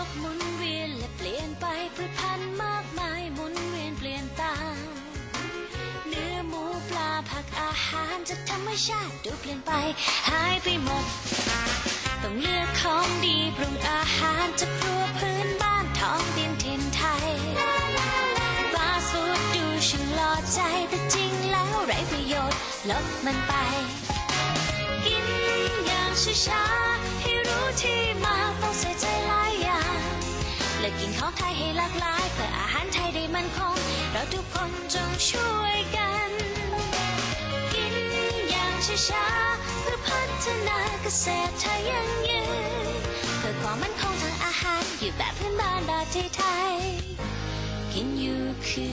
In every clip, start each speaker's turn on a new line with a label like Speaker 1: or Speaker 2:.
Speaker 1: กหมุนเวียนและเปลี่ยนไปพืชพันธุ์มากมายหมุนเวียนเปลี่ยนตามเนื้อหมูปลาผักอาหารจากธรรมชาติดูเปลี่ยนไปหายไปหมดต้องเลือกของดีปรุงอาหารจากครัวพื้นบ้านท้องถิ่นถิ่นไทยฟาสต์ฟู้ดดูช่างหล่อใจแต่จริงแล้วไร้ประโยชน์ลบมันไปกินอย่างช้าๆให้รู้ที่มาต้องใส่ใจหลายอย่างและกินของไทยให้หลากหลายเพื่ออาหารไทยได้มั่นคงเราทุกคนจงช่วยกันกินอย่างช้าๆเพื่อพัฒนาเกษตรไทยยั่งยืนเพื่อความมั่นคงทางอาหารอยู่แบบพื้นบ้านแบบไทยๆกินอยู่คือ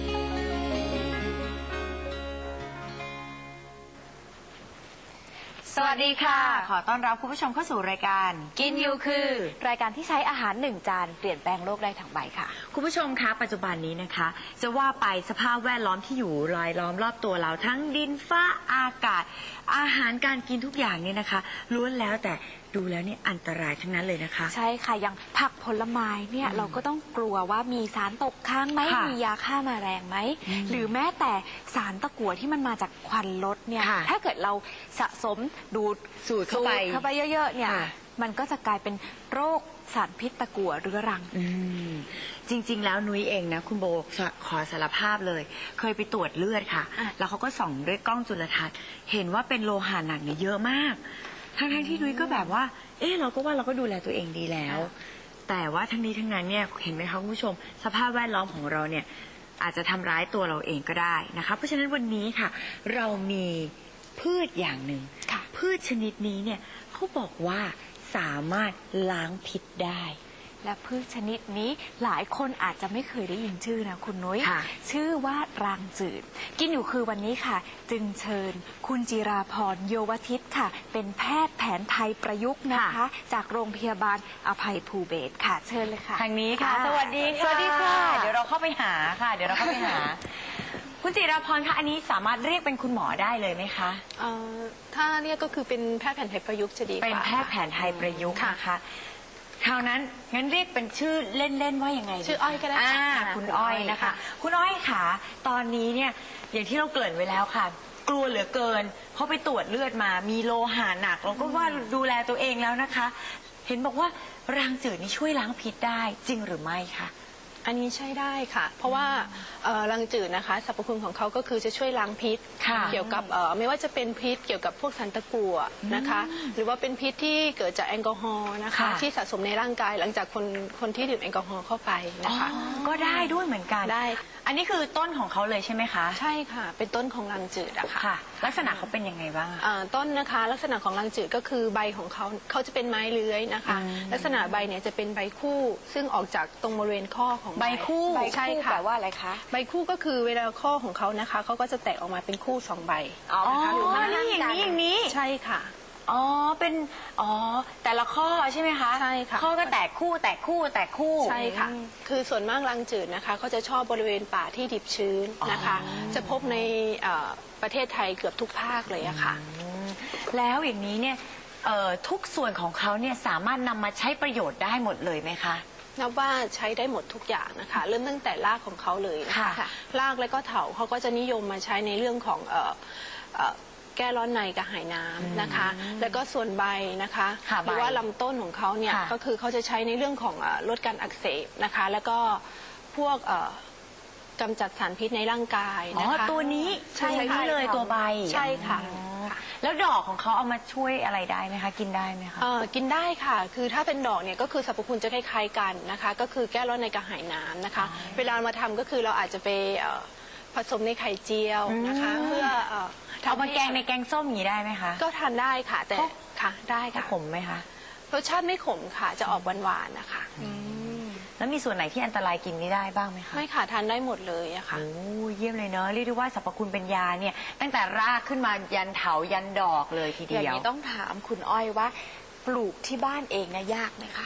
Speaker 2: สวัสดีค่ะขอต้อนรับคุณผู้ชมเข้าสู่รายการกินอยู่คือ
Speaker 3: รายการที่ใช้อาหาร1 จานเปลี่ยนแปลงโลกได้ทั้งใบค่ะ
Speaker 2: คุณผู้ชมคะปัจจุบันนี้นะคะจะว่าไปสภาพแวดล้อมที่อยู่รายล้อมรอบตัวเราทั้งดินฟ้าอากาศอาหารการกินทุกอย่างเนี่ยนะคะล้วนแล้วแต่ดูแล้วเนี่ยอันตรายทั้งนั้นเลยนะคะ
Speaker 3: ใช่ค่ะอย่างผักผลไม้เนี่ยเราก็ต้องกลัวว่ามีสารตกค้างไหมมียาฆ่าแมลงไหมหรือแม้แต่สารตะกั่วที่มันมาจากควันรถเนี่ยถ้าเกิดเราสะสมดูด
Speaker 2: สูดเข้าไป
Speaker 3: เยอะๆเนี่ยมันก็จะกลายเป็นโรคสารพิษตะกั่วเรื้อรัง
Speaker 2: จริงๆแล้วนุ้ยเองนะคุณโบขอสารภาพเลยเคยไปตรวจเลือดค่ะแล้วเขาก็ส่องด้วยกล้องจุลทรรศน์เห็นว่าเป็นโลหะหนักเนี่ยเยอะมากทั้งที่นุ้ยก็แบบว่าเราก็ดูแลตัวเองดีแล้วแต่ว่าทั้งนี้ทั้งนั้นเนี่ยเห็นไหมคะคุณผู้ชมสภาพแวดล้อมของเราเนี่ยอาจจะทำร้ายตัวเราเองก็ได้นะคะเพราะฉะนั้นวันนี้ค่ะเรามีพืชอย่างหนึ่งพืชชนิดนี้เนี่ยเขาบอกว่าสามารถล้างพิษได้
Speaker 3: และพืชชนิดนี้หลายคนอาจจะไม่เคยได้ยินชื่อนะคุณนุ้ยชื่อว่ารางจืดกินอยู่คือวันนี้ค่ะจึงเชิญคุณจิราพรโยวทิตค่ะเป็นแพทย์แผนไทยประยุกต์นะคะจากโรงพยาบาลอภัยภูเบศรค่ะเชิญเลยค่ะ
Speaker 2: ทางนี้ค่ะสวัสดีค่ะเดี๋ยวเราเข้าไปหาค่ะคุณจิราพรคะอันนี้สามารถเรียกเป็นคุณหมอได้เลยไหมคะ
Speaker 4: ถ้าเรียกก็คือเป็นแพทย์แผนไทยประยุกต์จะดีกว่า
Speaker 2: เป็นแพทย์แผนไทยประยุกต์นะคะคราวนั้นงั้นเรียกเป็นชื่อเล่นๆว่ายังไง
Speaker 4: ชื่ออ้อยก็ได้
Speaker 2: คุณอ้อยนะคะคุณอ้อยค่ะตอนนี้เนี่ยอย่างที่เราเกริ่นไว้แล้วค่ะกลัวเหลือเกินเพราะไปตรวจเลือดมามีโลหะหนักเราก็ว่าดูแลตัวเองแล้วนะคะเห็นบอกว่ารางจืดนี่ช่วยล้างพิษได้จริงหรือไม่คะ
Speaker 4: อันนี้ใช่ได้ค่ะเพราะว่ารังจืดนะคะสรรพคุณของเขาก็คือจะช่วยล้างพิษเกี่ยวกับไม่ว่าจะเป็นพิษเกี่ยวกับพวกสารตะกั่วนะคะหรือว่าเป็นพิษที่เกิดจากแอลกอฮอล์นะคะที่สะสมในร่างกายหลังจากคนที่ดื่มแอลกอฮอล์เข้าไปนะคะ
Speaker 2: ก็ได้ด้วยเหมือนกัน
Speaker 4: ได้
Speaker 2: อันนี้คือต้นของเขาเลยใช่ไหมคะ
Speaker 4: ใช่ค่ะเป็นต้นของรังจืดอะค่ะ
Speaker 2: ลักษณะเขาเป็นยังไงบ้าง
Speaker 4: ต้นนะคะลักษณะของรังจืดก็คือใบของเขาจะเป็นไม้เลื้อยนะคะลักษณะใบเนี่ยจะเป็นใบคู่ซึ่งออกจากตรงบริเวณข้อของ
Speaker 2: ใบคู่
Speaker 4: ใช่ค่ะ
Speaker 3: แปลว่าอะไรคะ
Speaker 4: ใบคู่ก็คือเวลาข้อของเขานะคะเขาก็จะแตกออกมาเป็นคู่2 ใบ
Speaker 2: นะคะนี่อย่างนี้
Speaker 4: ใช่ค่ะ
Speaker 2: เป็นแต่ละข้อใช่ไหมคะ
Speaker 4: ใช่ค่ะ
Speaker 2: ข้อก็แตกคู่
Speaker 4: ใช่ค่ะคือส่วนมากรังจืดนะคะเขาจะชอบบริเวณป่าที่ดิบชื้นนะคะจะพบในประเทศไทยเกือบทุกภาคเลยอะค่ะ
Speaker 2: แล้วอย่างนี้เนี่ยทุกส่วนของเขาเนี่ยสามารถนำมาใช้ประโยชน์ได้หมดเลยไหมคะ
Speaker 4: นับว่าใช้ได้หมดทุกอย่างนะคะเริ่มตั้งแต่รากของเขาเลยนะคะรากและก็เถาเขาก็จะนิยมมาใช้ในเรื่องของแก้ร้อนในกระหายน้ำนะคะแล้วก็ส่วนใบนะคะหรือว่าลำต้นของเขาเนี่ยก็คือเขาจะใช้ในเรื่องของลดการอักเสบนะคะแล้วก็พวกกำจัดสารพิษในร่างกายนะคะ
Speaker 2: ตัวนี้ใช่เลยตัวใบ
Speaker 4: ใช่ค่ะ
Speaker 2: แล้วดอกของเขาเอามาช่วยอะไรได้ไหมคะกินได้ไหมคะ
Speaker 4: กินได้ค่ะคือถ้าเป็นดอกเนี่ยก็คือสรรพคุณจะคล้ายๆกันนะคะก็คือแก้ร้อนในกระหายน้ำนะคะเวลามาทำก็คือเราอาจจะไปผสมในไข่เจียวนะคะเพื่อ
Speaker 2: เอามาแกงในแกงส้มอย่างนี้ได้ไหมคะ
Speaker 4: ก็ทานได้ค่ะแต่ค่ะได้ค่ะ
Speaker 2: ขมไหมคะ
Speaker 4: รสชาติไม่ขมค่ะจะออกหวานๆนะคะ
Speaker 2: แล้วมีส่วนไหนที่อันตรายกินไม่ได้บ้างไหมคะ
Speaker 4: ไม่ค่ะทานได้หมดเลยอะค่ะ
Speaker 2: โอ้เยี่ยมเลยเนอะเรียกได้ว่าสรรพคุณเป็นยาเนี่ยตั้งแต่รากขึ้นมายันเถายันดอกเลยทีเดียว
Speaker 3: อย่างนี้ต้องถามคุณอ้อยว่าปลูกที่บ้านเองนะยากไหมคะ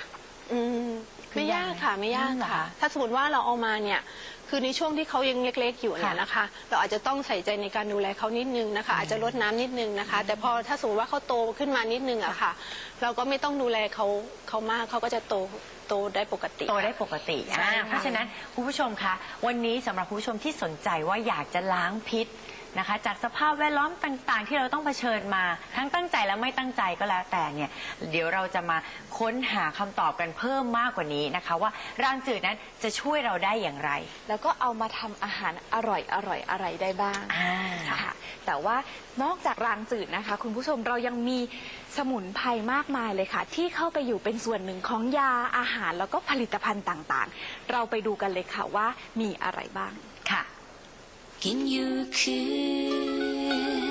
Speaker 4: ไม่ยากค่ะไม่ยากค่ะ ถ้าสมมติว่าเราเอามาเนี่ยคือในช่วงที่เขายังเล็กๆอยู่เนี่ยนะคะ เราอาจจะต้องใส่ใจในการดูแลเขานิดนึงนะคะ อาจจะลดน้ำนิดนึงนะคะ แต่พอถ้าสมมติว่าเขาโตขึ้นมานิดนึงอะค่ะ เราก็ไม่ต้องดูแลเขามากเขาก็จะโตได้ปกติ
Speaker 2: โตได้ปกติเพราะฉะนั้นคุณผู้ชมคะวันนี้สำหรับคุณผู้ชมที่สนใจว่าอยากจะล้างพิษนะคะจากสภาพแวดล้อมต่างๆที่เราต้องเผชิญมาทั้งตั้งใจและไม่ตั้งใจก็แล้วแต่เนี่ยเดี๋ยวเราจะมาค้นหาคำตอบกันเพิ่มมากกว่านี้นะคะว่ารางจืดนั้นจะช่วยเราได้อย่างไร
Speaker 3: แล้วก็เอามาทำอาหารอร่อยอะไรได้บ้างค่ะแต่ว่านอกจากรางจืดนะคะคุณผู้ชมเรายังมีสมุนไพรมากมายเลยค่ะที่เข้าไปอยู่เป็นส่วนหนึ่งของยาอาหารแล้วก็ผลิตภัณฑ์ต่างๆเราไปดูกันเลยค่ะว่ามีอะไรบ้าง
Speaker 2: ค่ะ
Speaker 1: กินอยู่คือ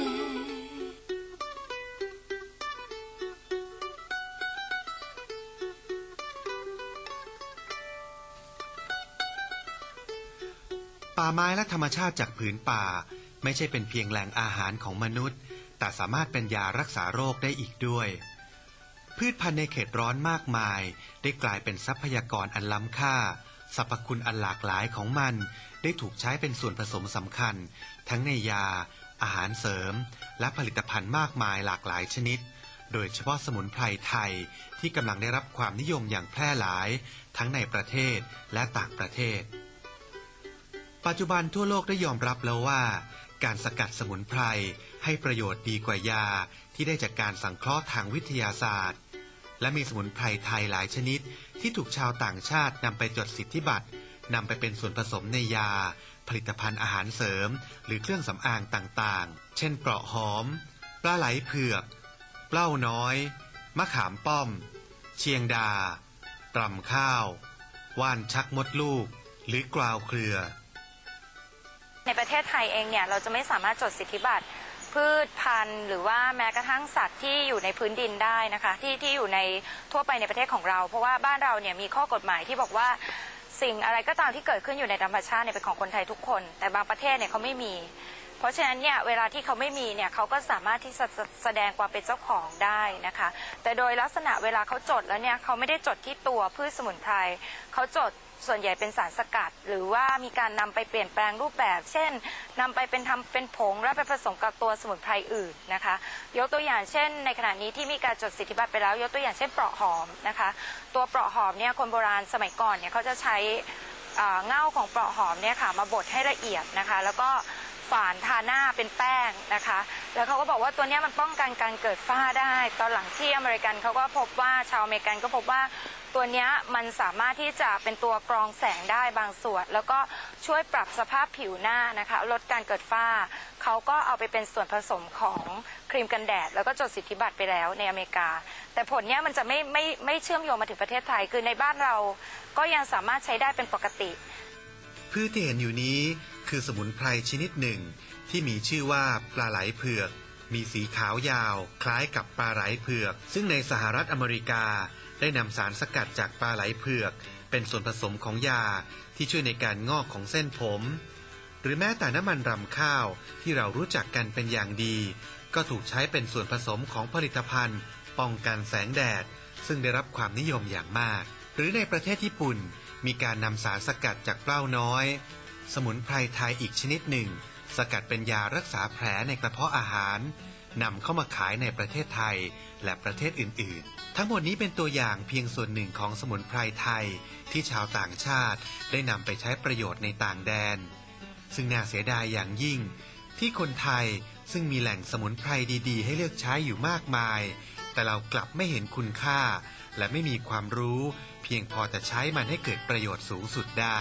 Speaker 5: ป่าไม้และธรรมชาติจากผืนป่าไม่ใช่เป็นเพียงแหล่งอาหารของมนุษย์แต่สามารถเป็นยารักษาโรคได้อีกด้วยพืชพันธุ์ในเขตร้อนมากมายได้กลายเป็นทรัพยากรอันล้ำค่าสรรพคุณอันหลากหลายของมันได้ถูกใช้เป็นส่วนผสมสำคัญทั้งในยาอาหารเสริมและผลิตภัณฑ์มากมายหลากหลายชนิดโดยเฉพาะสมุนไพรไทยที่กำลังได้รับความนิยมอย่างแพร่หลายทั้งในประเทศและต่างประเทศปัจจุบันทั่วโลกได้ยอมรับแล้วว่าการสกัดสมุนไพรให้ประโยชน์ดีกว่ายาที่ได้จากการสังเคราะห์ทางวิทยาศาสตร์และมีสมุนไพรไทยหลายชนิดที่ถูกชาวต่างชาตินำไปจดสิทธิบัตรนำไปเป็นส่วนผสมในยาผลิตภัณฑ์อาหารเสริมหรือเครื่องสำอางต่างๆเช่นเปราะหอมปลาไหลเผือกเปล้าน้อยมะขามป้อมเชียงดาตรำข้าวว่านชักมดลูกหรือกราวเครือ
Speaker 6: ในประเทศไทยเองเนี่ยเราจะไม่สามารถจดสิทธิบัตรพืชพันธุ์หรือว่าแม้กระทั่งสัตว์ที่อยู่ในพื้นดินได้นะคะที่อยู่ในทั่วไปในประเทศของเราเพราะว่าบ้านเราเนี่ยมีข้อกฎหมายที่บอกว่าสิ่งอะไรก็ตามที่เกิดขึ้นอยู่ในธรรมชาติเนี่ยเป็นของคนไทยทุกคนแต่บางประเทศเนี่ยเขาไม่มีเพราะฉะนั้นเนี่ยเวลาที่เขาไม่มีเนี่ยเขาก็สามารถที่จะแสดงความเป็นเจ้าของได้นะคะแต่โดยลักษณะเวลาเขาจดแล้วเนี่ยเขาไม่ได้จดที่ตัวพืชสมุนไพรเขาจดส่วนใหญ่เป็นสารสกัดหรือว่ามีการนำไปเปลี่ยนแปลงรูปแบบเช่นนำไปทำเป็นผงแล้วไปผสมกับตัวสมุนไพรอื่นนะคะยกตัวอย่างเช่นในขณะนี้ที่มีการจดสิทธิบัตรไปแล้วยกตัวอย่างเช่นเปราะหอมนะคะตัวเปราะหอมเนี่ยคนโบราณสมัยก่อนเนี่ยเขาจะใช้เง่าของเปราะหอมเนี่ยค่ะมาบดให้ละเอียดนะคะแล้วก็ฝานทาหน้าเป็นแป้งนะคะแล้วเขาก็บอกว่าตัวนี้มันป้องกันการเกิดฝ้าได้ตอนหลังที่อเมริกันเขาก็พบว่าชาวอเมริกันก็พบว่าตัวนี้มันสามารถที่จะเป็นตัวกรองแสงได้บางส่วนแล้วก็ช่วยปรับสภาพผิวหน้านะคะลดการเกิดฝ้าเขาก็เอาไปเป็นส่วนผสมของครีมกันแดดแล้วก็จดสิทธิบัตรไปแล้วในอเมริกาแต่ผลเนี้ยมันจะไม่เชื่อมโยงมาถึงประเทศไทยคือในบ้านเราก็ยังสามารถใช้ได้เป็นปกติ
Speaker 5: พืชที่เห็นอยู่นี้คือสมุนไพรชนิดหนึ่งที่มีชื่อว่าปลาไหลเผือกมีสีขาวยาวคล้ายกับปลาไหลเผือกซึ่งในสหรัฐอเมริกาได้นำสารสกัดจากปลาไหลเผือกเป็นส่วนผสมของยาที่ช่วยในการงอกของเส้นผมหรือแม้แต่น้ำมันรำข้าวที่เรารู้จักกันเป็นอย่างดีก็ถูกใช้เป็นส่วนผสมของผลิตภัณฑ์ป้องกันแสงแดดซึ่งได้รับความนิยมอย่างมากหรือในประเทศญี่ปุ่นมีการนำสารสกัดจากเปล้าน้อยสมุนไพรไทยอีกชนิดหนึ่งสกัดเป็นยารักษาแผลในกระเพาะอาหารนำเข้ามาขายในประเทศไทยและประเทศอื่นๆทั้งหมดนี้เป็นตัวอย่างเพียงส่วนหนึ่งของสมุนไพรไทยที่ชาวต่างชาติได้นำไปใช้ประโยชน์ในต่างแดนซึ่งน่าเสียดายอย่างยิ่งที่คนไทยซึ่งมีแหล่งสมุนไพรดีๆให้เลือกใช้อยู่มากมายแต่เรากลับไม่เห็นคุณค่าและไม่มีความรู้เพียงพอจะใช้มันให้เกิดประโยชน์สูงสุดได้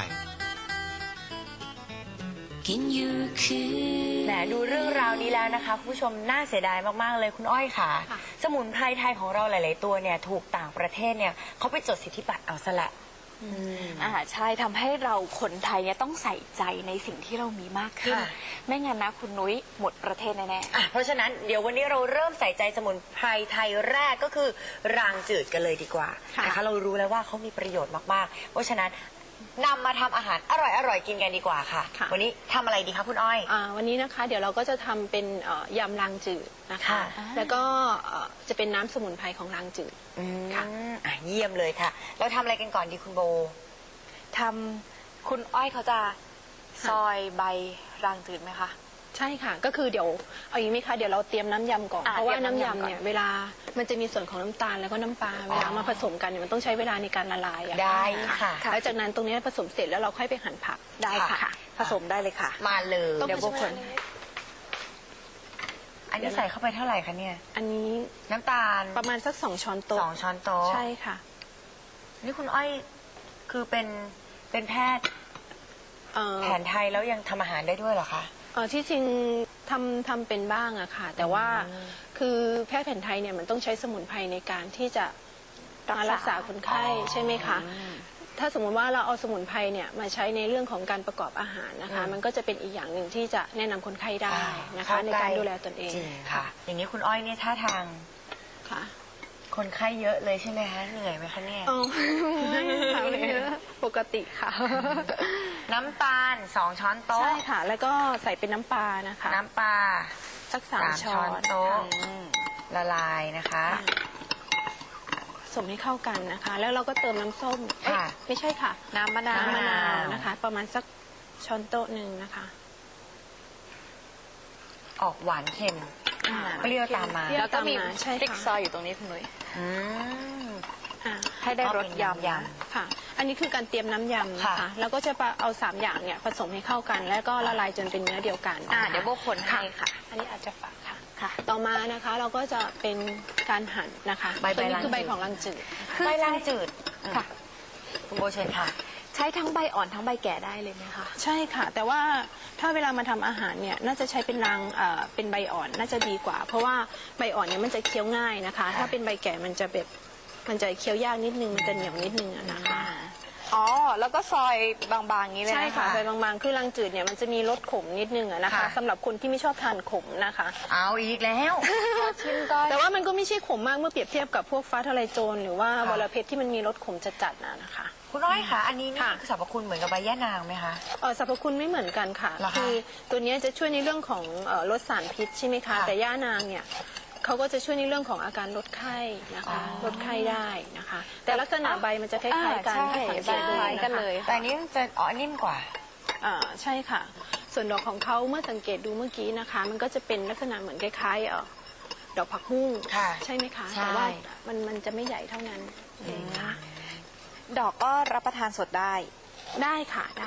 Speaker 2: แหมดูเรื่องราวนี้แล้วนะคะคุณผู้ชมน่าเสียดายมากๆเลยคุณอ้อยค่ะสมุนไพรไทยของเราหลายๆตัวเนี่ยถูกต่างประเทศเนี่ยเขาไปจดสิทธิบัตรเอาซะละ
Speaker 3: ใช่ทำให้เราคนไทยเนี่ยต้องใส่ใจในสิ่งที่เรามีมากขึ้นไม่งั้นนะคุณนุ้ยหมดประเทศแน่
Speaker 2: ๆเพราะฉะนั้นเดี๋ยววันนี้เราเริ่มใส่ใจสมุนไพรไทยแรกก็คือรางจืดกันเลยดีกว่านะคะเรารู้แล้วว่าเขามีประโยชน์มากๆเพราะฉะนั้นนำมาทำอาหารอร่อยๆกินกันดีกว่าค่ะ
Speaker 4: ค่ะ
Speaker 2: วันนี้ทำอะไรดีคะคุณอ้อย
Speaker 4: วันนี้นะคะเดี๋ยวเราก็จะทำเป็นยำรางจืดนะคะ
Speaker 2: ค่ะ
Speaker 4: แล้วก็จะเป็นน้ำสมุนไพรของรางจืด ค่ะ
Speaker 2: เยี่ยมเลยค่ะ เราทำอะไรกันก่อนดีคุณโบ
Speaker 3: ทำคุณอ้อยเขาจะซอยใบรางจืดไหมคะ
Speaker 4: ใช่ค่ะ ก็คือเดี๋ยวเอาอย่างนี้ไหมคะเดี๋ยวเราเตรียมน้ำยำก่อน
Speaker 3: อ่า
Speaker 4: เพราะว่า
Speaker 3: เตรียม
Speaker 4: น้ำ
Speaker 3: น้ำยำ
Speaker 4: ยำ
Speaker 3: ก่อน
Speaker 4: เนี่ยเวลามันจะมีส่วนของน้ำตาลแล้วก็น้ำปลาเวลามาผสมกันเนี่ยมันต้องใช้เวลาในการละลายอะ
Speaker 2: ได้ค่ะ
Speaker 4: แล้วจากนั้นตรงนี้ผสมเสร็จแล้วเราค่อยไปหั่นผัก
Speaker 3: ได้ค่ะ ผสมได้เลยค่ะ
Speaker 2: มาเลย
Speaker 4: ต้อง
Speaker 3: เดี๋ยวโบคน
Speaker 2: อันนี้ใส่เข้าไปเท่าไหร่คะเนี่ย
Speaker 4: อันนี้
Speaker 2: น้ำตาล
Speaker 4: ประมาณสัก2 ช้อนโต๊ะ
Speaker 2: 2 ช้อนโต๊ะ
Speaker 4: ใช่ค่ะ
Speaker 2: นี่คุณอ้อยคือเป็นแพทย์
Speaker 4: เอ่อ
Speaker 2: แผนไทยแล้วยังทำอาหารได้ด้วยเหรอคะ
Speaker 4: ที่จริงทำเป็นบ้างอะค่ะ แต่ว่าคือแพทย์แผนไทยเนี่ยมันต้องใช้สมุนไพรในการที่จะมารักษาคนไข้ใช่ไหมคะ ถ้าสมมุติว่าเราเอาสมุนไพรเนี่ยมาใช้ในเรื่องของการประกอบอาหารนะคะ มันก็จะเป็นอีกอย่างหนึ่งที่จะแนะนำคนไข้ได้นะคะ
Speaker 2: เข้า
Speaker 4: ใน
Speaker 2: ใกล้
Speaker 4: การดูแลตนเอง
Speaker 2: จริงค่ะ อย่างนี้คุณอ้อยเนี่ยท่าทาง
Speaker 4: ค่ะ
Speaker 2: คนไข้เยอะเลยใช่ไหมคะเหนื่อยไหมคะเนี่ย
Speaker 4: อ๋อไม่ค่ะไม่เยอะปกติค่ะ
Speaker 2: น้ำตาล2 ช้อนโต๊ะ
Speaker 4: ใช่ค่ะ แล้วก็ใส่เป็นน้ำปลานะคะ
Speaker 2: น้ำปลา
Speaker 4: สัก
Speaker 2: 3
Speaker 4: 3 ช้
Speaker 2: ช้
Speaker 4: อ
Speaker 2: อน
Speaker 4: น
Speaker 2: โต๊ะ
Speaker 4: ค่ะ
Speaker 2: ละลายนะคะ
Speaker 4: ผสมให้เข้ากันนะคะ แล้วเราก็เติมน้ำส้มเอ้ย
Speaker 2: ค่ะ
Speaker 4: ไม่ใช่ค่ะ
Speaker 3: น้ำมะนาว
Speaker 4: น้ำมะนาวนะคะ ประมาณสักช้อนโต๊ะหนึ่งนะคะ
Speaker 2: ออกหวานเค็ม เปรี้ยวตามมา
Speaker 3: แล้วก็มี
Speaker 4: ใช่
Speaker 3: พริก
Speaker 4: ค่ะ
Speaker 3: ซอยอยู่ตรงนี้คุณนุ้ย
Speaker 2: อืม
Speaker 4: อ่า
Speaker 3: ให้ได้รสย
Speaker 2: ก็เป็น
Speaker 3: ำ
Speaker 4: ค่ะ อันนี้คือการเตรียมน้ำยำนะคะ
Speaker 2: ค่ะ
Speaker 4: แล้วก็จะเอา3อย่างเนี่ยผสมให้เข้ากัน แล้วก็ละลายจนเป็นเนื้อเดียวกัน
Speaker 3: เดี๋ยวโบคนให้ค่ะ
Speaker 4: อันนี้อาจจะฝากค่ะ
Speaker 3: ค่ะ
Speaker 4: ต่อมานะคะเราก็จะเป็นการหั่นนะคะ
Speaker 2: ใบ
Speaker 4: ตัวนี้คือใบ
Speaker 2: รางจืด
Speaker 4: ของรังจืด
Speaker 2: ใบล่างจืด
Speaker 3: ค่ะ
Speaker 2: คุณโบเชิญค่ะ
Speaker 3: ใช้ทั้งใบอ่อนทั้งใบแก่ได้เลยไหมคะ
Speaker 4: ใช่ค่ะ แต่ว่าถ้าเวลามาทำอาหารเนี่ยน่าจะใช้เป็นเป็นใบอ่อนน่าจะดีกว่า เพราะว่าใบอ่อนเนี่ยมันจะเคี้ยวง่ายนะคะ ถ้าเป็นใบแก่มันจะเคี้ยวยากนิดนึงมันจะเหนียวนิดนึงอะนะคะ
Speaker 3: อ๋อ แล้วก็ซอยบางๆอย่างนี้เลย
Speaker 4: ใช่
Speaker 3: นะ
Speaker 4: ค่ะ
Speaker 3: คะ
Speaker 4: ใบบางๆคือรังจืดเนี่ยมันจะมีรสขมนิดนึงอะนะคะ
Speaker 2: ค่ะ
Speaker 4: สำหรับคนที่ไม่ชอบทานขมนะคะ
Speaker 2: เอาอีกแล้ว
Speaker 3: ชิมก็
Speaker 4: แต่ว่ามันก็ไม่ใช่ขมมากเมื่อเปรียบเทียบกับพวกฟ้าทะลายโจรหรือว่า
Speaker 2: ค่ะ
Speaker 4: วรเพชรที่มันมีรสขมจัดๆนะคะ
Speaker 2: คุณอ้อยค่ะ อันนี้นี่
Speaker 4: ค่ะ
Speaker 2: สรรพคุณเหมือนกับใบย่านางไหมคะ
Speaker 4: สรรพคุณไม่เหมือนกันค่ะ
Speaker 2: เหรอคะ
Speaker 4: คือตัวเนี้ยจะช่วยในเรื่องของลดสารพิษใช่ไหมคะ
Speaker 2: ค่ะ
Speaker 4: แต่ย่านางเนี่ยเขาก็จะช่วยในเรื่องของอาการลดไข้นะคะลดไข้ได้นะคะ แต่ลักษณะใบมันจะคล้ายๆกัน
Speaker 3: ใช่
Speaker 4: ถ้าสังเกตดู
Speaker 3: ใบคล้ายกัน
Speaker 4: นะคะ
Speaker 3: เลย
Speaker 2: แต่อันนี้จะนิ่มกว่า
Speaker 4: ใช่ค่ะ ส่วนดอกของเขาเมื่อสังเกตดูเมื่อกี้นะคะ มันก็จะเป็นลักษณะเหมือนคล้ายๆดอกผักบุ้ง
Speaker 2: ค่ะ
Speaker 4: ใช่ไหมคะ
Speaker 2: ใช่
Speaker 4: แต่ว่ามันจะไม่ใหญ่เท่านั้นเองค่ะ
Speaker 3: ดอกก็รับประทานสดได้
Speaker 4: ได้ค่ะได้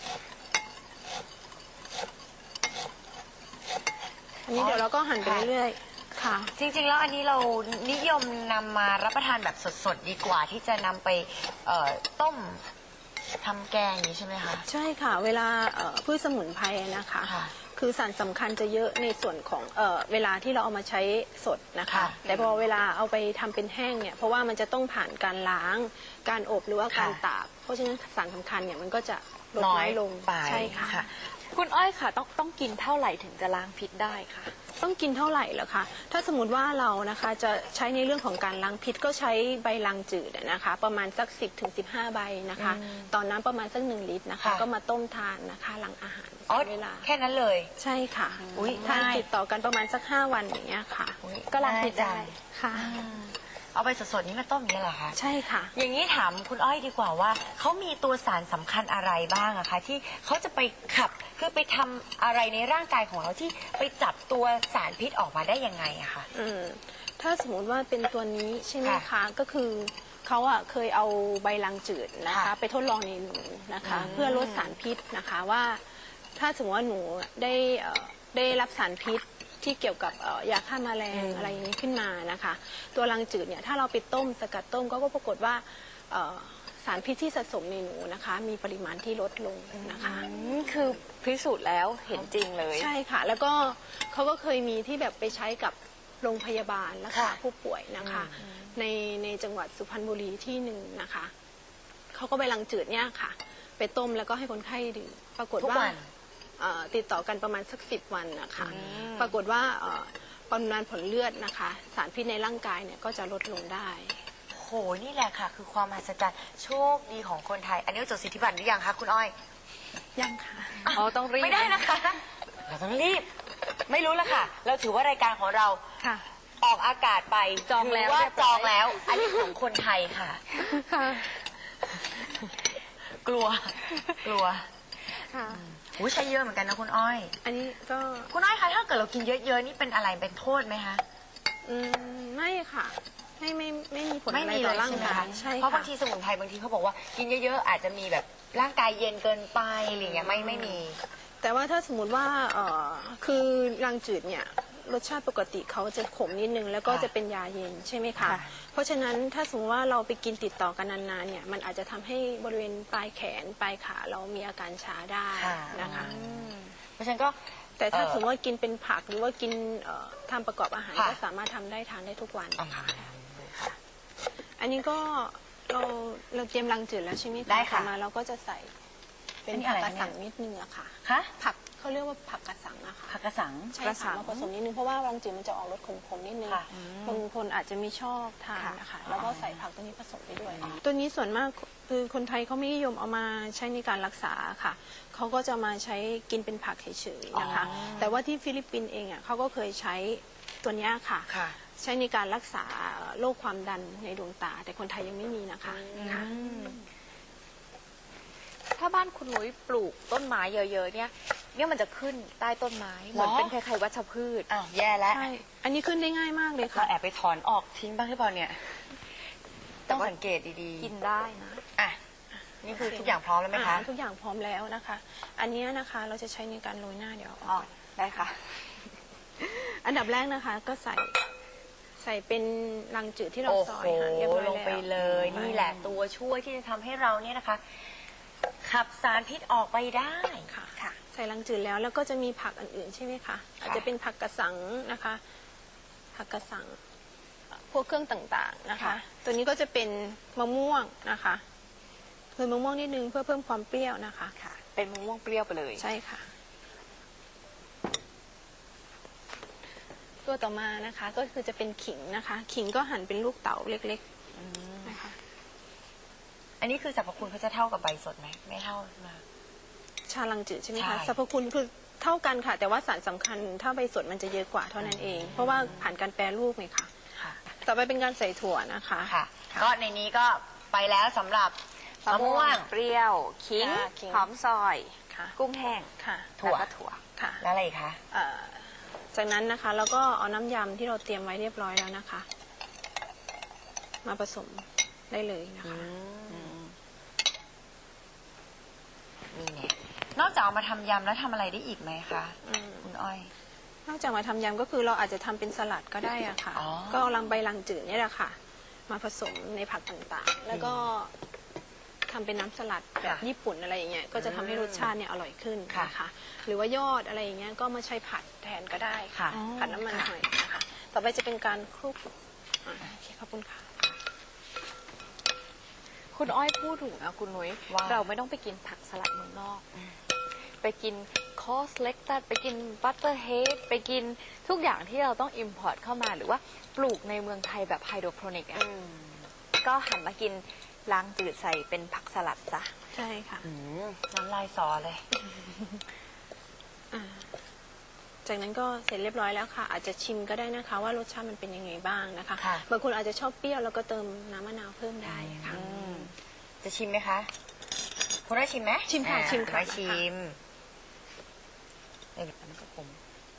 Speaker 4: อันนี้เดี๋ยวเราก็หั่นไปเรื่อยๆค่ะ
Speaker 2: จริงๆ แล้วอันนี้เรานิยมนำมารับประทานแบบสดๆ ดีกว่าที่จะนำไปต้มทำแกงอย่างนี้ใช่ไหมคะ
Speaker 4: ใช่ค่ะ เวลาพืชสมุนไพรนะคะ
Speaker 2: ค่ะ
Speaker 4: คือสารสำคัญจะเยอะในส่วนของเวลาที่เราเอามาใช้สดนะคะ
Speaker 2: ค่ะ
Speaker 4: แต่พอเวลาเอาไปทำเป็นแห้งเนี่ยเพราะว่ามันจะต้องผ่านการล้าง การอบหรือว่าการ
Speaker 2: ค่ะ
Speaker 4: ตาก เพราะฉะนั้นสารสำคัญเนี่ยมันก็จะลด
Speaker 2: น้อ
Speaker 4: น้อย ยลง
Speaker 2: ไป
Speaker 4: ใช่ค่ะ
Speaker 2: ค่ะ
Speaker 3: คุณอ้อยค่ะต้องกินเท่าไหร่ถึงจะล้างพิษได้คะ
Speaker 4: ต้องกินเท่าไหร่เหรอคะ ถ้าสมมติว่าเรานะคะจะใช้ในเรื่องของการล้างพิษก็ใช้ใบลังจืดนะคะ ประมาณสัก10-15 ใบนะคะ ตอนน้ำประมาณสัก1 ลิตรนะคะ
Speaker 2: ค่ะ
Speaker 4: ก็มาต้มทานนะคะหลังอาหาร
Speaker 2: อ๋อ
Speaker 4: เวลา
Speaker 2: แค่นั้นเลย
Speaker 4: ใช่ค่ะ
Speaker 2: อุ๊ย
Speaker 4: ทาน
Speaker 2: ง่าย
Speaker 4: ติดต่อกันประมาณสัก5 วันอย่างเงี้ยค่ะ
Speaker 2: อุ๊ย
Speaker 4: ก็ล้างพิษ
Speaker 2: ง่ายจั
Speaker 4: ได้
Speaker 2: ง
Speaker 4: ค่ะ
Speaker 2: เอาไปสดๆ นี้มาต้มอย่างนี้เหรอคะ
Speaker 4: ใช่ค่ะ
Speaker 2: อย่างนี้ถามคุณอ้อยดีกว่าว่าเขามีตัวสารสำคัญอะไรบ้างอะคะที่เขาจะไปขับคือไปทำอะไรในร่างกายของเราที่ไปจับตัวสารพิษออกมาได้ยังไงอะคะ
Speaker 4: ถ้าสมมติว่าเป็นตัวนี้ใช่ไหม
Speaker 2: ค่ะ
Speaker 4: คะ ก็คือเขาอะเคยเอาใบลังจืดนะคะ
Speaker 2: ค่ะ
Speaker 4: ไปทดลองในหนูนะคะ เพื่อลดสารพิษนะคะว่าถ้าสมมติว่าหนูได้รับสารพิษที่เกี่ยวกับยาฆ่าแมลงอะไรอย่างนี้ขึ้นมานะคะ ตัวลังจืดเนี่ยถ้าเราไปต้มสกัดต้มก็ปรากฏว่าสารพิษที่สะสมในหนูนะคะ มีปริมาณที่ลดลงนะคะ
Speaker 3: คือพิสูจน์แล้วเห็นจริงเลย
Speaker 4: ใช่ค่ะ แล้วก็เขาก็เคยมีที่แบบไปใช้กับโรงพยาบาลรักษา
Speaker 2: ค่ะ
Speaker 4: ผู้ป่วยนะคะ ในจังหวัดสุพรรณบุรีที่หนึ่งนะคะเขาก็ไปลังจืดเนี่ยค่ะ ไปต้มแล้วก็ให้คนไข้ดื่มปรากฏ
Speaker 2: ทุก
Speaker 4: ว่า
Speaker 2: วัน
Speaker 4: ติดต่อกันประมาณสัก10 วันนะคะ ปรากฏว่าปริมาณผลเลือดนะคะ สารพิษในร่างกายเนี่ยก็จะลดลงได้
Speaker 2: โหนี่แหละค่ะ คือความมหัศจรรย์โชคดีของคนไทย อันนี้จดสิทธิบัตรหรือยังคะคุณอ้อย
Speaker 4: ยังค่ะ
Speaker 3: อ๋อต้องรีบ
Speaker 2: ไม่ได้นะคะ เราต้องรีบ ไม่รู้ละค่ะ เราถือว่ารายการของเรา
Speaker 3: ค่ะ
Speaker 2: ออกอากาศไป
Speaker 3: จองแล้ว
Speaker 2: ถืว่า
Speaker 3: เรียบร้อย
Speaker 2: จองแล้ว อันนี้ของคนไทยค่ะ
Speaker 4: ค่ะ
Speaker 2: กลัว กลัว
Speaker 4: ค่ะ
Speaker 2: อุ้ยใช้เยอะเหมือนกันนะคุณอ้อย
Speaker 4: อันนี้ก็
Speaker 2: คุณอ้อยคะถ้าเกิดเรากินเยอะๆนี่เป็นอะไรเป็นโทษไหมคะ
Speaker 4: ไม่ค่ะ ไม่มีผล
Speaker 2: ไม่
Speaker 4: อะไร
Speaker 2: มี
Speaker 4: ต่
Speaker 2: เล
Speaker 4: อย ร่าง
Speaker 2: ใช่ไหม
Speaker 4: กา
Speaker 2: คะ
Speaker 4: ยใช่
Speaker 2: เพราะบาง
Speaker 4: ค่ะ
Speaker 2: ทีสมุนไพรบางทีเขาบอกว่ากินเยอะๆอาจจะมีแบบร่างกายเย็นเกินไปอะไรอย่างเงี้ยไม่มี
Speaker 4: แต่ว่าถ้าสมมติว่าคือรังจืดเนี่ยรสชาติปกติเขาจะขมนิดนึงแล้วก็
Speaker 2: ค่ะ
Speaker 4: จะเป็นยาเย็นใช่ไหมคะ
Speaker 2: ค่ะ
Speaker 4: เพราะฉะนั้นถ้าสมมติว่าเราไปกินติดต่อกันนานๆเนี่ยมันอาจจะทำให้บริเวณปลายแขนปลายขาเรามีอาการชาได้นะคะ
Speaker 2: เพราะฉะนั้นก็
Speaker 4: แต่ถ้าสมมติว่ากินเป็นผักหรือว่ากินทำประกอบอาหาร
Speaker 2: ค่ะ
Speaker 4: ก็สามารถทำได้ทานได้ทุกวัน
Speaker 2: เอาค่ะ
Speaker 4: อันนี้ก็เราเตรียมรังจืดแล้วใช่ไหมคะ
Speaker 2: ได้ค่ะ
Speaker 4: ต่อมาเราก็จะใส่เป็น
Speaker 2: อันนี้
Speaker 4: ผั
Speaker 2: อะ
Speaker 4: ก
Speaker 2: ไร
Speaker 4: กระ
Speaker 2: คะเนี่ย
Speaker 4: สังนิดนึงอะค่ะ
Speaker 2: คะ
Speaker 4: ผักเขาเรียกว่าผักกระสังอะค่ะ
Speaker 2: ผักกระสัง
Speaker 4: ใช่
Speaker 3: กระสั
Speaker 4: ค่ะ
Speaker 3: ง
Speaker 4: มาผสมนิดนึงเพราะว่ารังจืดมันจะออกรสขมๆนิดนึง
Speaker 2: ค่ะ
Speaker 4: บางคนอาจจะไม่ชอบทาน
Speaker 3: ค่ะ
Speaker 4: นะคะแล้วก็ใส่ผักตัวนี้ผสมไปด้วย ตัวนี้ส่วนมากคือคนไทยเขาไม่นิยมเอามาใช้ในการรักษาค่ะเขาก็จะมาใช้กินเป็นผักเฉยๆนะคะ แต่ว่าที่ฟิลิปปินส์เองอ่ะเขาก็เคยใช้ตัวเนี้ยค่ะ
Speaker 2: ค่ะ
Speaker 4: ใช้ในการรักษาโรคความดันในดวงตา แต่คนไทยยังไม่มีนะคะค่ะ
Speaker 3: ถ้าบ้านคุณนุ้ยปลูกต้นไม้เยอะๆเนี่ยมันจะขึ้นใต้ต้นไม้เหมือนเป็นคล้ายๆวัชพืช
Speaker 2: อ้าวแย่แล้ว
Speaker 4: ใช่ อันนี้ขึ้นได้ง่ายมากเลย
Speaker 2: เรา
Speaker 4: ค่ะ
Speaker 2: แอบไปถอนออกทิ้งบ้างหรือเปล่าเนี่ย ต้องสังเกตดีๆ
Speaker 3: กินได้นะ
Speaker 2: อ่ะนี่คือทุกอย่างพร้อมแล้วไหมคะ
Speaker 4: ทุกอย่างพร้อมแล้วนะคะ อันเนี้ยนะคะเราจะใช้ในการโรยหน้าเดี๋ยวเอาอ
Speaker 3: อ๋อ
Speaker 4: อก
Speaker 3: ได้ค่ะ
Speaker 4: อันดับแรกนะคะก็ใส่เป็นรังจืดที่เรา
Speaker 2: โอ้
Speaker 4: ซ
Speaker 2: โห
Speaker 4: อยค่ะเรียบร้อย
Speaker 2: ล
Speaker 4: แล้ว
Speaker 2: งไปเลย นี่แหละตัวช่วยที่จะทำให้เราเนี่ยนะคะ ขับสารพิษออกไปได้
Speaker 4: ค่ะ ใส่รังจืดแล้วก็จะมีผักอื่นๆใช่ไหมคะอาจจะเป็นผักกระสังนะคะ ผักกระสังพวกเครื่องต่างๆนะคะ
Speaker 3: ค่ะ
Speaker 4: ตัวนี้ก็จะเป็นมะม่วงนะคะเพิ่มมะม่วงนิดนึงเพื่อเพิ่มความเปรี้ยวนะคะ
Speaker 3: ค่ะ เป็นมะม่วงเปรี้ยวไปเลย
Speaker 4: ใช่ค่ะ ตัวต่อมานะคะก็คือจะเป็นขิงนะคะ ขิงก็หั่นเป็นลูกเต๋าเล็กๆนะคะ
Speaker 2: อันนี้คือสรรพคุณเขาจะเท่ากับใบสดไหมไม่เท่ามา
Speaker 4: ชาลังจืดใช่ไหม
Speaker 2: ใช่
Speaker 4: คะสรรพคุณคือเท่ากันค่ะ แต่ว่าสารสำคัญถ้าใบสดมันจะเยอะกว่าเท่านั้นเอง เพราะว่าผ่านการแปรรูปไงค่ะ
Speaker 2: ค่ะ
Speaker 4: ต่อไปเป็นการใส่ถั่วนะคะ
Speaker 2: ค่ะ ก็ในนี้ก็ไปแล้วสำหรับมะม่วง
Speaker 3: เปรี้ยวขิง
Speaker 4: ค่ะขิง
Speaker 3: หอมซอย
Speaker 4: ค่ะ
Speaker 3: กุ้งแห้ง
Speaker 4: ค่ะ
Speaker 2: ถั่ว
Speaker 3: แล้วก็ถั่ว
Speaker 4: ค่ะ
Speaker 2: แล้วอะไรอีกคะ
Speaker 4: จากนั้นนะคะเราก็เอาน้ำยำที่เราเตรียมไว้เรียบร้อยแล้วนะคะ มาผสมได้เลยนะคะ
Speaker 2: นี่เนี่ยนอกจากเอามาทำยำแล้วทำอะไรได้อีกไหมคะ คุณอ้อย
Speaker 4: นอกจากมาทำยำก็คือเราอาจจะทำเป็นสลัดก็ได้อะค่ะ
Speaker 2: อ๋อ
Speaker 4: ก็เอาใบลังจืดนี่แหละค่ะ มาผสมในผักต่างๆ แล้วก็ทำเป็นน้ำสลัดแบบญี่ปุ่นอะไรอย่างเงี้ยก็จะทำให้รสชาติเนี่ยอร่อยขึ้นนะคะหรือว่ายอดอะไรอย่างเงี้ยก็มาใช้ผัดแทนก็ได้ค่ะ ผัดน้ำมันหอยนะคะต่อไปจะเป็นการคลุกโอเคขอบคุณค่ะ
Speaker 3: คุณอ้อยพูดถูกนะคุณนุ้ย
Speaker 2: ว่า
Speaker 3: เราไม่ต้องไปกินผักสลัดเมืองนอก ไปกินคอสเล็กตัดไปกินบัตเตอร์เฮดไปกินทุกอย่างที่เราต้องอิมพอร์ตเข้ามาหรือว่าปลูกในเมืองไทยแบบไฮโดรโปรนิกอะก็หันมากินล้างจืดใส่เป็นผักสลัดซะ
Speaker 4: ใช่ค่ะ
Speaker 2: น้ำลายสอเลย
Speaker 4: จากนั้นก็เสร็จเรียบร้อยแล้วค่ะ อาจจะชิมก็ได้นะคะ ว่ารสชาติมันเป็นยังไงบ้างนะคะ
Speaker 2: ค่ะ
Speaker 4: บางคนอาจจะชอบเปรี้ยวแล้วก็เติมน้ำมะนาวเพิ่มได้ค่ะ
Speaker 2: จะชิมไหมคะคุณได้ชิมไหม
Speaker 4: ชิมค่ะชิมค่ะ
Speaker 2: ไม่ชิมเอ้ยมันก็ขม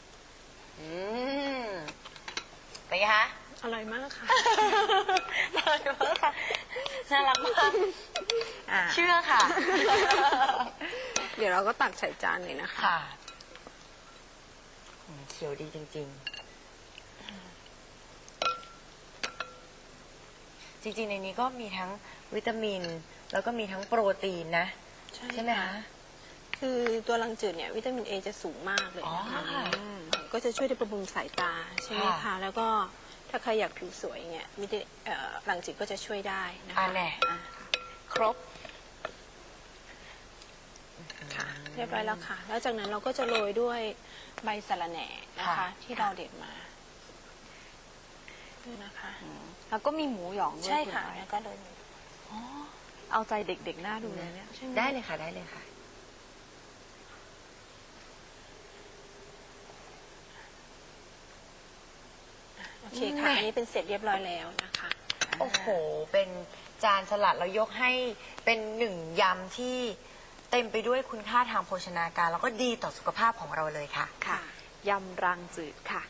Speaker 2: เป็นไงคะ
Speaker 4: อร่อยมากค่ะ
Speaker 2: น่ารักมากค่ะน่ารักมากเชื่อค่ะ
Speaker 4: เดี๋ยวเราก็ตักใส่จานเลยนะคะ
Speaker 2: ค่ะเขียวดีจริงๆ จริงๆ ในนี้ก็มีทั้งวิตามิน แล้วก็มีทั้งโปรตีนนะ ใช่ไหมคะ
Speaker 4: คือตัวรังจืดเนี่ยวิตามินเอจะสูงมากเลยนะคะ
Speaker 2: อ๋อค่ะ
Speaker 4: ก็จะช่วยในบำรุงสายตาใช่ไหม
Speaker 2: ค่ะ
Speaker 4: คะ แล้วก็ถ้าใครอยากผิวสวยเนี่ยรังจืดก็จะช่วยได้นะคะ
Speaker 2: อ่าแน่
Speaker 3: ครบ
Speaker 4: ค่ะ เรียบร้อยแล้วค่ะ แล้วจากนั้นเราก็จะโรยด้วยใบสะระแหน่นะคะ ที่เราเด็ดมานะคะ
Speaker 3: แล้วก็มีหมูหยองด้วย
Speaker 4: ใช่ค่ะ
Speaker 3: ณน้อย
Speaker 4: แล้วก็โดย
Speaker 3: เอาใจเด็กๆหน้าดูเลยเนี่ย
Speaker 2: ได้เลยค่ะได้เลยค่ะ
Speaker 4: โอเคค่ะ อันนี้เป็นเสร็จเรียบร้อยแล้วนะคะ
Speaker 2: โอ้โห เป็นจานสลัดเรายกให้เป็นหนึ่งยำที่เต็มไปด้วยคุณค่าทางโภชนาการ แล้วก็ดีต่อสุขภาพของเราเลยค่ะ
Speaker 3: ค่ะยำรังจืดค่ะ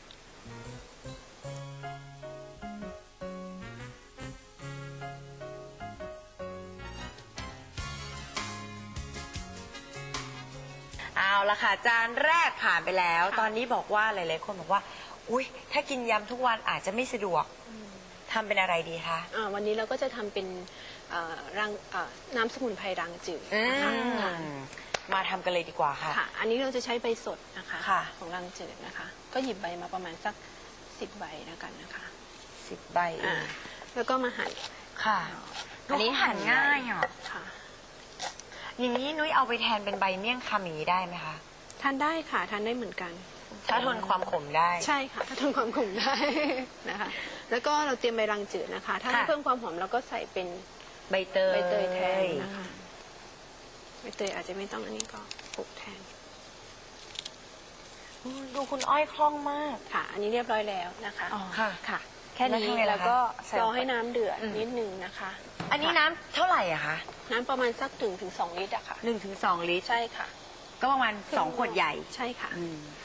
Speaker 2: เอาละค่ะ จานแรกผ่านไปแล้ว ตอนนี้บอกว่าหลายๆคนบอกว่า อุ๊ย ถ้ากินยำทุกวันอาจจะไม่สะดวกทำเป็นอะไรดีคะ
Speaker 4: วันนี้เราก็จะทำเป็นน้ำสมุนไพรรังจืดนะคะค่ะ
Speaker 2: มาทำกันเลยดีกว่าค่ะ
Speaker 4: ค่ะ อันนี้เราจะใช้ใบสดนะคะ
Speaker 2: ค่ะ
Speaker 4: ของรังจืดนะคะ ก็หยิบใบมาประมาณสัก10 ใบแล้วกันนะคะ
Speaker 2: 10 ใบเอ
Speaker 4: อ่าง แล้วก็มาหั่น
Speaker 2: ค่ะ อันนี้หั่นง่ายอ่ะ
Speaker 4: ค่ะ
Speaker 2: อย่างนี้นุ้ยเอาไปแทนเป็นใบเมี่ยงคำอย่างนี้ได้ไหมคะ
Speaker 4: ทานได้ค่ะทานได้เหมือนกัน
Speaker 2: ถ้าทนความขมได้
Speaker 4: ใช่ค่ะ ถ้าทนความขมได้ นะคะ แล้วก็เราเตรียมใบรังจืดนะคะ ถ้าให้
Speaker 2: ค่ะ
Speaker 4: เพิ่มความหอมเราก็ใส่เป็น
Speaker 2: ใบเตย
Speaker 4: ใบเตยแทนนะคะใบเตยอาจจะไม่ต้องอันนี้ก็ปลูกแทน
Speaker 2: ดูคุณอ้อยคล่องมาก
Speaker 4: ค่ะ อันนี้เรียบร้อยแล้วนะคะ
Speaker 2: ค่ะ
Speaker 3: ค่ะ แค่นี้
Speaker 2: แล้วทำไงล่ะคะ
Speaker 3: แล้วก็ใส่
Speaker 4: รอ
Speaker 3: ลงไป
Speaker 4: ให้น้ำเดือดนิดนึงนะคะ
Speaker 2: อันนี้น้ำเท่าไหร่อะคะ
Speaker 4: น้ำประมาณสักถึง2 ลิตรอะค่ะ
Speaker 2: 1-2 ลิตร
Speaker 4: ใช่ค่ะ
Speaker 2: ก็ประมาณ2 ขวดใหญ่
Speaker 4: ใช่ค่ะ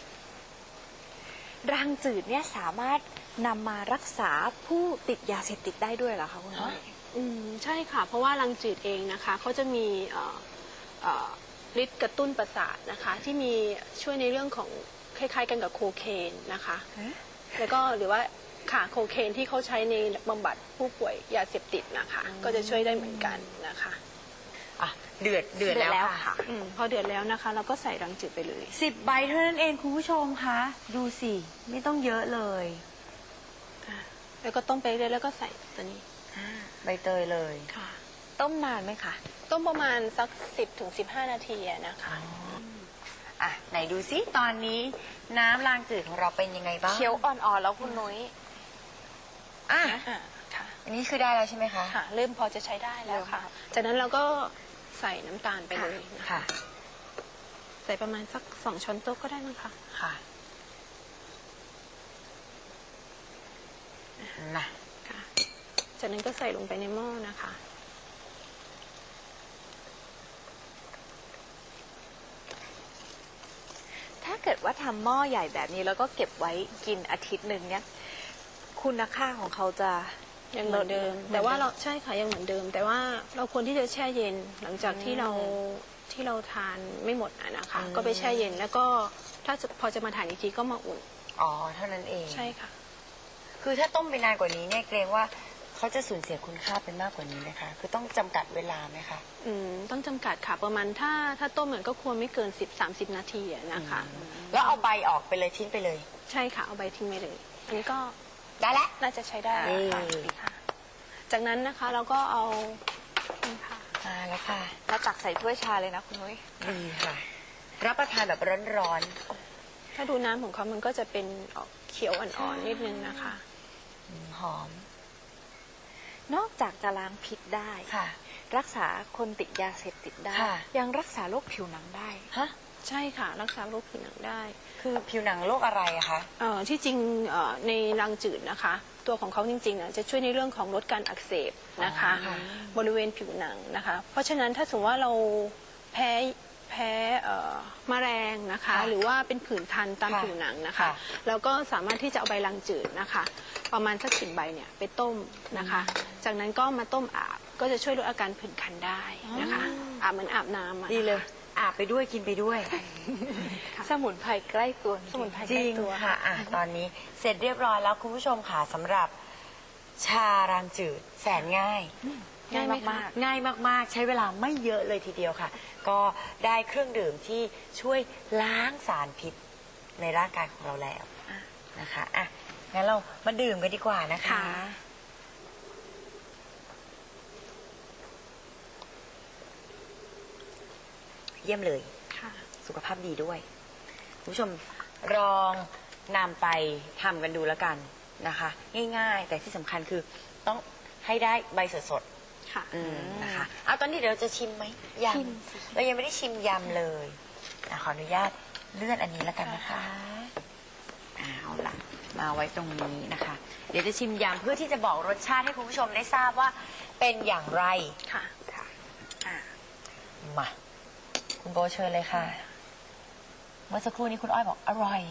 Speaker 3: รังจืดเนี่ยสามารถนำมารักษาผู้ติดยาเสพติดได้ด้วยเหรอคะคุณน้อย
Speaker 4: ใช่ค่ะ เพราะว่ารังจืดเองนะคะเขาจะมีฤทธิ์กระตุ้นประสาทนะคะ ที่มีช่วยในเรื่องของคล้ายๆกันกับโคเคนนะคะ แล้วก็หรือว่าค่ะโคเคนที่เขาใช้ในบำบัดผู้ป่วยยาเสพติดนะคะ ก็จะช่วยได้เหมือนกันนะคะ
Speaker 2: อ่ะ เดือดแล้วค่ะ
Speaker 4: พอเดือดแล้วนะคะ เราก็ใส่รังจืดไปเลย
Speaker 2: 10 ใบเท่านั้นเองคุณผู้ชมคะ ดูสิ ไม่ต้องเยอะเลย
Speaker 4: แล้วก็ต้มไปเรื่อยๆแล้วก็ใส่ตัวนี้
Speaker 2: ใบเตยเลย
Speaker 4: ค่ะ
Speaker 3: ต้มนานไหมคะ
Speaker 4: ต้มประมาณสัก10-15 นาทีอะนะคะ
Speaker 2: อ่ะ ไหนดูสิตอนนี้น้ำรางจืดของเราเป็นยังไงบ้าง
Speaker 3: เคี้ยวอ่อนๆแล้วคุณนุ้ย
Speaker 2: อ่ะ
Speaker 4: ค่ะ
Speaker 2: อันนี้คือได้แล้วใช่ไหมคะ
Speaker 4: ค่ะ เริ่มพอจะใช้ได้แล้วค่ะ จากนั้นเราก็ใส่น้ำตาลไปเลยนะคะ
Speaker 2: ค่ะ
Speaker 4: ใส่ประมาณสัก2 ช้อนโต๊ะก็ได้มั้งคะ
Speaker 2: ค่ะนะ
Speaker 4: ค่ะ จากนั้นก็ใส่ลงไปในหม้อนะคะ
Speaker 3: ถ้าเกิดว่าทำหม้อใหญ่แบบนี้แล้วก็เก็บไว้กินอาทิตย์หนึ่งเนี่ยคุณค่าของเขาจะ
Speaker 4: ยังเหมือนเดิม แต่ว่าเราใช่ค่ะยังเหมือนเดิม แต่ว่าเราควรที่จะแช่เย็นหลังจากที่เราทานไม่หมดอะนะคะ ก็ไปแช่เย็นแล้วก็ถ้าพอจะมาทานอีกทีก็มาอุ่น
Speaker 2: อ๋อ เท่านั้นเอง
Speaker 4: ใช่ค่ะ
Speaker 2: คือถ้าต้มไปนานกว่านี้เนี่ยเกรงว่าเขาจะสูญเสียคุณค่าเป็นมากกว่านี้ไหมคะ คือต้องจำกัดเวลาไหมคะ
Speaker 4: ต้องจำกัดค่ะประมาณถ้าต้มเหมือนก็ควรไม่เกิน10-30 นาทีอะนะคะ
Speaker 2: แล้วเอาใบออกไปเลยทิ้งไปเลย
Speaker 4: ใช่ค่ะเอาใบทิ้งไปเลย อันนี้ก็
Speaker 2: ได้แล้ว
Speaker 4: น่าจะใช้ได้
Speaker 2: ค่ะ
Speaker 4: จากนั้นนะคะเราก็เอานี่ค่ะ
Speaker 2: มาแล้วค่ะ
Speaker 3: เราตักใส่ถ้วยชาเลยนะคุณนุ้ย
Speaker 2: ดีค่ะ รับประทานแบบร้อน
Speaker 4: ถ้าดูน้ำของเขามันก็จะเป็นออกเขียวอ่อนๆนิดนึงนะคะ
Speaker 2: ๆหอม
Speaker 3: นอกจากจะล้างพิษได้
Speaker 2: ค่ะ
Speaker 3: รักษาคนติดยาเสพติดได้
Speaker 2: ค่ะ
Speaker 3: ยังรักษาโรคผิวหนังได้
Speaker 2: ฮะ
Speaker 4: ใช่ค่ะ รักษาโรคผิวหนังได้
Speaker 2: คือผิวหนังโรคอะไรอะคะ
Speaker 4: ที่จริงในรังจืดนะคะ ตัวของเขาจริงๆจะช่วยในเรื่องของลดการอักเสบนะคะ
Speaker 2: ค่ะ
Speaker 4: บริเวณผิวหนังนะคะ เพราะฉะนั้นถ้าสมมติว่าเราแพ้แมลงนะคะ
Speaker 2: ค่ะ
Speaker 4: หรือว่าเป็นผื่นคันตาม
Speaker 2: ค่ะ
Speaker 4: ผิวหนังนะคะ
Speaker 2: ค่ะ
Speaker 4: เราก็สามารถที่จะเอาใบรังจืดนะคะ ประมาณสัก10 ใบเนี่ยไปต้มนะคะ จากนั้นก็มาต้มอาบก็จะช่วยลดอาการผื่นคันได้นะคะอาบเหมือนอาบน้ำอะ
Speaker 2: ดีเลย อาบไปด้วยกินไปด้วย
Speaker 3: สมุนไพรใกล้ตัว
Speaker 4: สมุนไพร
Speaker 2: จ
Speaker 4: ใกล้
Speaker 2: ริง
Speaker 4: ตัว
Speaker 2: ค่ะอ่ะ ตอนนี้เสร็จเรียบร้อยแล้วคุณผู้ชมค่ะสำหรับชารางจืดแสนง่าย
Speaker 3: ง่ายมาก
Speaker 2: ง่ายมากๆ ใช้เวลาไม่เยอะเลยทีเดียวค่ะ ก็ได้เครื่องดื่มที่ช่วยล้างสารพิษในร่างกายของเราแล้วนะคะอ่ะงั้นเรามาดื่มกันดีกว่านะคะ เยี่ยมเลย
Speaker 4: ค่ะ
Speaker 2: สุขภาพดีด้วยคุณผู้ชมลองนำไปทำกันดูแล้วกันนะคะ ง่ายๆ แต่ที่สำคัญคือต้องให้ได้ใบสด
Speaker 4: ค่ะ
Speaker 2: ๆนะคะเอาตอนนี้เดี๋ยวเราจะชิมไหมยำเรายังไม่ได้ชิมยำเลยขออนุญาตเลื่อนอันนี้แล้วกันนะคะเอาล่ะมาไว้ตรงนี้นะคะ เดี๋ยวจะชิมยำเพื่อที่จะบอกรสชาติให้คุณผู้ชมได้ทราบว่าเป็นอย่างไร
Speaker 4: ค่ะ
Speaker 2: มาคุณโบเชิญเลยค่ะเมื่อสักครู่นี้คุณอ้อยบอกอร่อย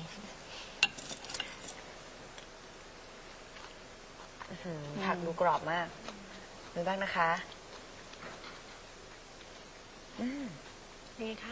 Speaker 2: ผักดูกรอบมากดูบ้างนะคะ
Speaker 4: นี่ค่ะ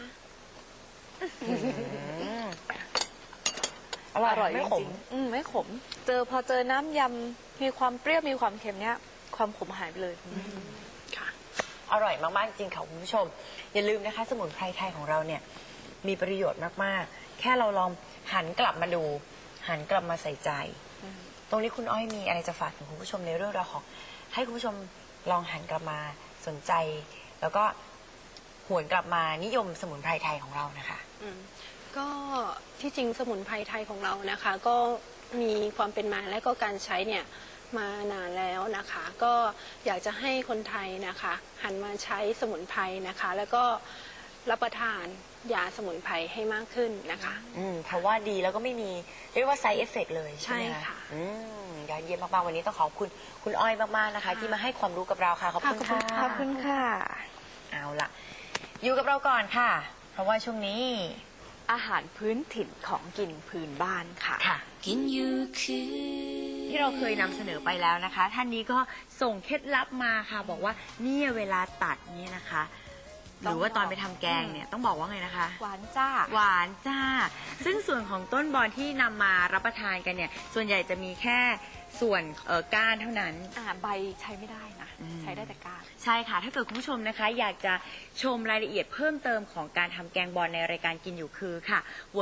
Speaker 2: อร่อย
Speaker 3: อร่อย
Speaker 2: ไม่
Speaker 3: จ
Speaker 2: ข
Speaker 3: ริ
Speaker 2: ม
Speaker 3: งๆไม่ขมพอเจอน้ำยำมีความเปรี้ยวมีความเค็มเนี้ยความขมหายไปเลย
Speaker 4: ค่ะ
Speaker 2: อร่อยมากๆจริงค่ะคุณผู้ชมอย่าลืมนะคะสมุนไพรไทยของเราเนี่ยมีประโยชน์มากๆแค่เราลองหันกลับมาดูหันกลับมาใส่ใจตรงนี้คุณอ้อยมีอะไรจะฝากถึงคุณผู้ชมในเรื่องราวของให้คุณผู้ชมลองหันกลับมาสนใจ แล้วก็หวนกลับมานิยมสมุนไพรไทยของเรานะคะ
Speaker 4: ก็ที่จริงสมุนไพรไทยของเรานะคะ ก็มีความเป็นมาและก็การใช้เนี่ยมานานแล้วนะคะ ก็อยากจะให้คนไทยนะคะ หันมาใช้สมุนไพรนะคะ แล้วก็รับประทานยาสมุนไพรให้มากขึ้นนะคะ
Speaker 2: เพราะว่าดีแล้วก็ไม่มีเรียกว่า side effect เลยใช่ไหม
Speaker 4: ใช่ค่ะ
Speaker 2: ยอดเยี่ยมมากๆวันนี้ต้องขอบคุณคุณอ้อยมากๆนะคะ ที่มาให้ความรู้กับเราค่ะขอบคุณค่ะ
Speaker 3: ขอบคุณค่ะ
Speaker 2: เอาล่ะอยู่กับเราก่อนค่ะ เพราะว่าช่วงนี้
Speaker 3: อาหารพื้นถิ่นของกินพื้นบ้านค่ะ
Speaker 2: ค่ะ
Speaker 1: กินอยู่คือ
Speaker 2: ที่เราเคยนำเสนอไปแล้วนะคะ ท่านนี้ก็ส่งเคล็ดลับมาค่ะ บอกว่าเนี่ยเวลาตัดเนี่ยนะคะ หรือว่าตอนไปทำแกงเนี่ยต้องบอกว่าไงนะคะ
Speaker 3: หวานจ้า
Speaker 2: หวานจ้า ซึ่งส่วนของต้นบอนที่นำมารับประทานกันเนี่ย ส่วนใหญ่จะมีแค่ส่วนก้านเท่านั้น
Speaker 3: ใบใช้ไม่ได้นะ ใช้ได้แต่ก้าน
Speaker 2: ใช่ค่ะ ถ้าเกิดคุณผู้ชมนะคะ อยากจะชมรายละเอียดเพิ่มเติมของการทำแกงบอนในรายการกินอยู่คือค่ะ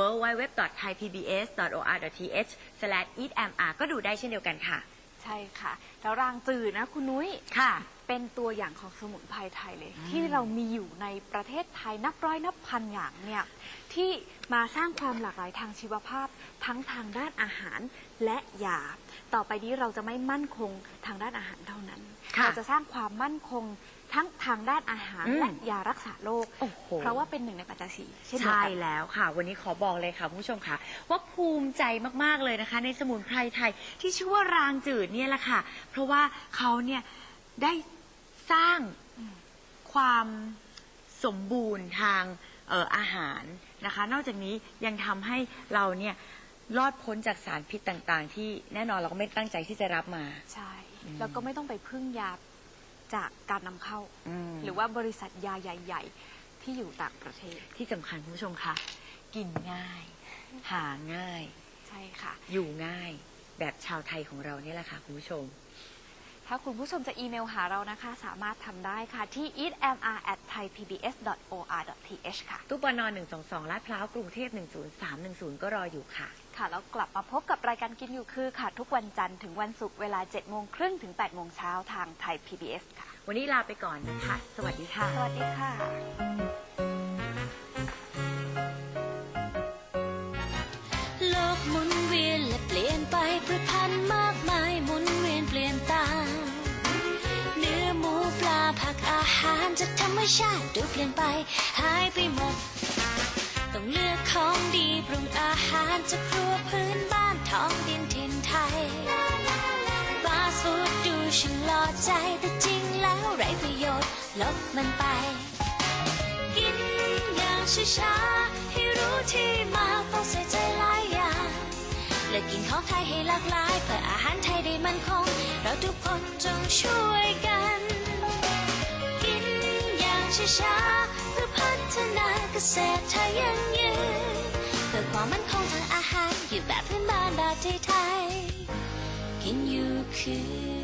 Speaker 2: www.thaipbs.or.th/eatmr ก็ดูได้เช่นเดียวกันค่ะ
Speaker 3: ใช่ค่ะ แล้วรางจืดนะคุณนุ้ย
Speaker 2: ค่ะ
Speaker 3: เป็นตัวอย่างของสมุนไพรไทยเลย ที่เรามีอยู่ในประเทศไทยนับร้อยนับพันอย่างเนี่ยที่มาสร้างความหลากหลายทางชีวภาพทั้งทางด้านอาหารและยาต่อไปนี้เราจะไม่มั่นคงทางด้านอาหารเท่านั้น
Speaker 2: ค่ะ
Speaker 3: เราจะสร้างความมั่นคงทั้งทางด้านอาหารและยารักษาโรค
Speaker 2: โอ้โห
Speaker 3: เพราะว่าเป็นหนึ่งในปัจจัยสี่เช่นเดียว
Speaker 2: ใช่
Speaker 3: กัน
Speaker 2: แล้วค่ะ วันนี้ขอบอกเลยค่ะคุณผู้ชมค่ะ ว่าภูมิใจมากๆเลยนะคะ ในสมุนไพรไทยที่ชื่อว่ารางจืดเนี่ยแหละค่ะ เพราะว่าเขาเนี่ยได้สร้างความสมบูรณ์ทางอาหารนะคะ นอกจากนี้ยังทำให้เราเนี่ยรอดพ้นจากสารพิษต่างๆ ที่แน่นอนเราก็ไม่ตั้งใจที่จะรับมา
Speaker 3: ใช่ แล้วก็ไม่ต้องไปพึ่งยาจากการนำเข้า หรือว่าบริษัทยาใหญ่ ๆ ที่อยู่ต่างประเทศ
Speaker 2: ที่สำคัญคุณผู้ชมค่ะ กินง่าย หาง่าย
Speaker 3: ใช่ค่ะ
Speaker 2: อยู่ง่ายแบบชาวไทยของเราเนี่ยแหละค่ะคุณผู้ชม
Speaker 3: ถ้าคุณผู้ชมจะอีเมลหาเรานะคะ สามารถทำได้ค่ะที่ eatmr@thaipbs.or.th ค่ะ
Speaker 2: ตู้ปน122 ลาดพร้าว กรุงเทพ 10310 ก็รออยู่ค่ะ
Speaker 3: ค่ะแล้วกลับมาพบกับรายการกินอยู่คือค่ะ ทุกวันจันทร์ถึงวันศุกร์เวลา 7:30 น. ถึง 8:00 น. ทางไทย PBS ค่ะ
Speaker 2: วันนี้ลาไปก่อนนะคะ สวัสดีค่ะ
Speaker 3: สวัสดีค่ะ
Speaker 1: โลกหมุนเวียนและเปลี่ยนไปพืชพันธุ์มากมายหมุนเวียนเปลี่ยนตามเนื้อหมูปลาผักอาหารจากธรรมชาติดูเปลี่ยนไปหายไปหมด ต้องเลือกของดีปรุงอาหารจากครัวพื้นบ้านท้องดินถิ่นไทยฟาสต์ฟู้ดดูช่างหล่อใจแต่จริงแล้วไร้ประโยชน์ลบมันไป กินอย่างช้าๆให้รู้ที่มาต้องใส่ใจหลายอย่างและกินของไทยให้หลากหลายเพื่ออาหารไทยได้มั่นคงเราทุกคนจงช่วยกัน กินอย่างช้าๆเพื่อพัฒนาเกษตรไทยยั่งยืนเพื่อความมั่นคงทางอาหารอยู่แบบพื้นบ้านแบบไทยๆกินอยู่คือ